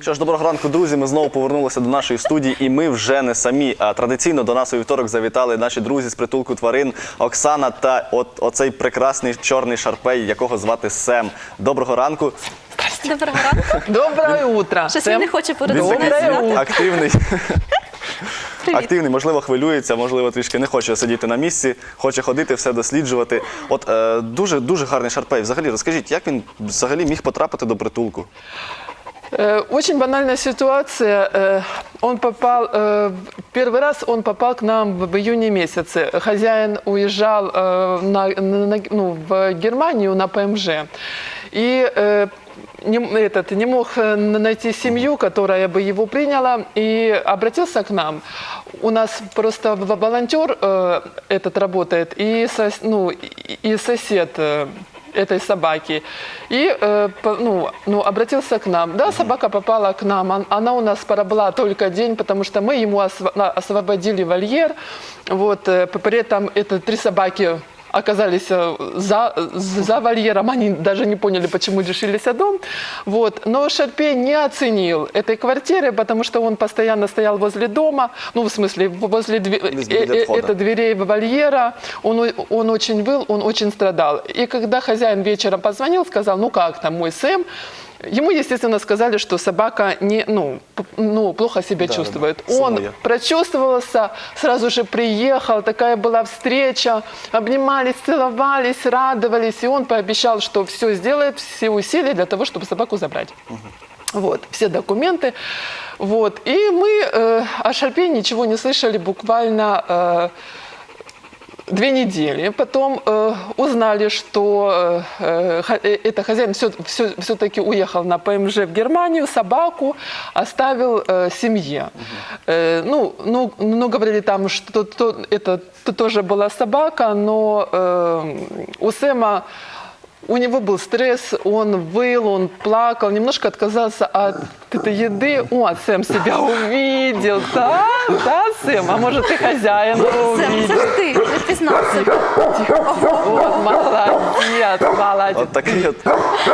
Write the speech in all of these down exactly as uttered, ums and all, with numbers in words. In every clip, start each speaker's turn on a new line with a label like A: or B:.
A: Що ж, доброго ранку, друзі. Ми знову повернулися до нашої студії, і ми вже не самі. А традиційно до нас у вівторок завітали наші друзі з притулку тварин Оксана та от оцей прекрасний чорний шарпей, якого звати Сем. Доброго ранку.
B: Доброго ранку.
C: Доброе утро.
B: Щось він не хоче
A: Він
B: порозуміти.
A: активний. Активний, можливо, хвилюється, можливо, трішки не хоче сидіти на місці, хоче ходити, все досліджувати. От е, дуже, дуже гарний шарпей. Взагалі, розкажіть, як він взагалі міг потрапити до притулку?
C: Очень банальная ситуация. Он попал, первый раз он попал к нам в июне месяце. Хозяин уезжал на, на, ну, в Германию на ПМЖ. И не, этот, не мог найти семью, которая бы его приняла, и обратился к нам. У нас просто волонтер этот работает, и, сос, ну, и сосед этой собаки. И э, ну, ну, обратился к нам. Да, собака попала к нам. Она у нас пробыла только день, потому что мы ему освободили вольер. Вот, при этом это три собаки оказались за, за вольером, они даже не поняли, почему решились о дом. Вот. Но Шарпей не оценил этой квартиры, потому что он постоянно стоял возле дома, ну, в смысле, возле дверей, это дверей вольера. Он, он очень выл, он очень страдал. И когда хозяин вечером позвонил, сказал, ну как там мой Сэм, ему, естественно, сказали, что собака не, ну, ну, плохо себя да, чувствует. Да, он самое. Прочувствовался, сразу же приехал, такая была встреча, обнимались, целовались, радовались, и он пообещал, что все сделает, все усилия для того, чтобы собаку забрать. Угу. Вот, все документы. Вот. И мы э, о Шарпее ничего не слышали буквально... Э, Две недели. Потом э, узнали, что э, э, это хозяин все, все, все-таки уехал на ПМЖ в Германию, собаку оставил э, семье. Uh-huh. э, ну, ну, ну, говорили там, что то, это то, тоже была собака, но э, у Сэма у него был стресс, он выл, он плакал, немножко отказался от этой еды. О, Сэм себя увидел, да, да, Сэм, а может и хозяин увидел.
B: Сэм, это ж ты, ты признался.
C: Вот, молодец, молодец.
A: Вот такие вот.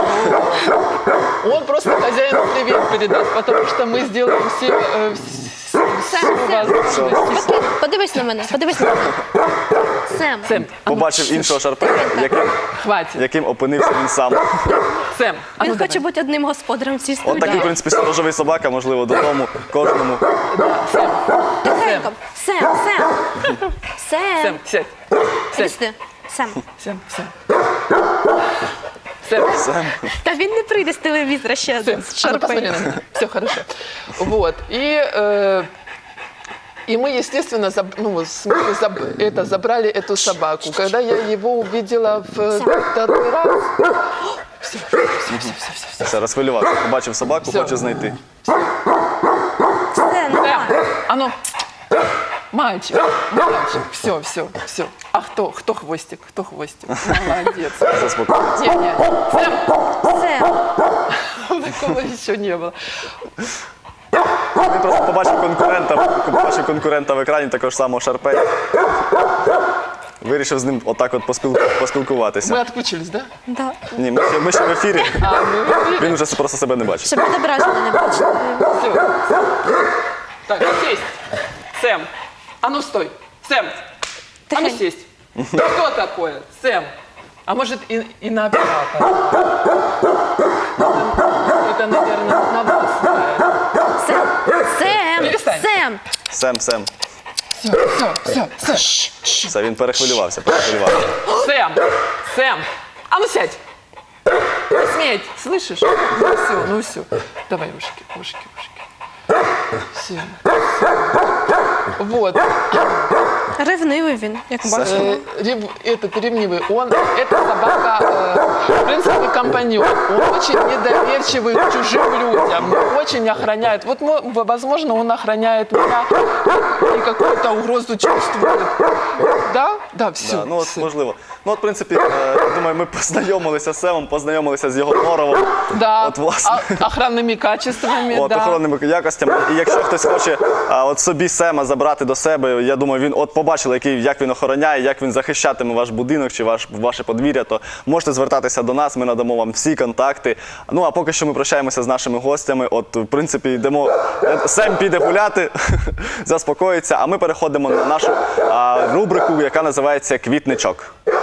C: Он просто хозяину привет передаст, потому что мы сделаем все, э, все, все возможности.
B: Подивись на мене, подивись на мене. Сэм.
C: Сэм.
A: Побачив іншого шарпея, яким, яким опинився він сам.
C: Сэм. А
B: Він
C: ну,
B: хоче
C: давай.
B: бути одним господарем в цій студії.
A: От такий, в принципі, сторожовий собака, можливо, додому, кожному.
C: Сэм.
B: Тихенько. Сэм, Сэм. Сэм.
C: Сэм, сядь.
B: Іди
C: Сядь.
B: сюди. Сэм.
C: Сэм, Сэм. Сэм.
A: Сэм.
B: Та він не прийде з телевізора ще один. Шарпей.
C: Все хорошо. Вот. И, э, и мы, естественно, заб, ну, в смысле, заб, это, забрали эту собаку. Когда я его увидела в второй раз... Все, все, все, все, все, все.
A: Все, розхвилювався. Побачив собаку,
C: Все.
A: хоче знайти.
B: Сэм, давай.
C: А ну, мальчик, мальчик, все, все, все. А кто, кто хвостик, кто хвостик? Молодец.
A: Заспокоїться.
C: Не, не, Сэм.
B: Сэм.
C: Такого еще не было.
A: Він просто побачив конкурента, побачив конкурента в екрані, також самого шарпея. Вирішив з ним отак от поспіл... поспілкуватися.
C: Мы отключились, да?
B: Да.
A: Ні, ми ще, ми ще в ефірі.
C: А, мы в эфире.
A: Він вже просто себе не бачить.
B: Щоб відображення не бачили.
C: Все. Так, сесть. Сэм. А ну стой. Сэм. А ну
B: Тихенько.
C: сесть. Что такое? Сэм. А может и, и на оператора? Это, наверное, на вас.
B: Сэм. Сэм.
C: Перестань.
B: Сэм.
A: Сем, Сем.
C: Все, все, все, все.
A: Все, він перехвилювався, перехвилювався.
C: Сэм. Сэм. А ну сядь. Не сметь, слышишь? Ну все, ну все. Давай, ушки, ушки, ушки. Все. Вот.
B: Ревнивий він, як бачимо.
C: Э, рев- этот ревнивый, он, эта собака, э, в принципе, компаньон. Он очень недоверчивый к чужим людям, очень охраняет. Вот, мо- возможно, он охраняет меня. они какую-то угрозу чувствуют. Да? Да, все.
A: Да, ну от можливо. Ну от в принципі, е, я думаю, ми познайомилися з Семом, познайомилися з його норовом.
C: Да,
A: От власне.
C: а- охранными качествами,
A: От,
C: да.
A: охоронними якостями. І якщо хтось хоче а, от собі Сема забрати до себе, я думаю, він от побачили, який, як він охороняє, як він захищатиме ваш будинок чи ваш, ваше подвір'я, то можете звертатися до нас, ми надамо вам всі контакти. Ну а поки що ми прощаємося з нашими гостями. От, в принципі, йдемо. Сем піде гуляти, заспокоїться, а ми переходимо на нашу а, рубрику, яка називається «Квітничок».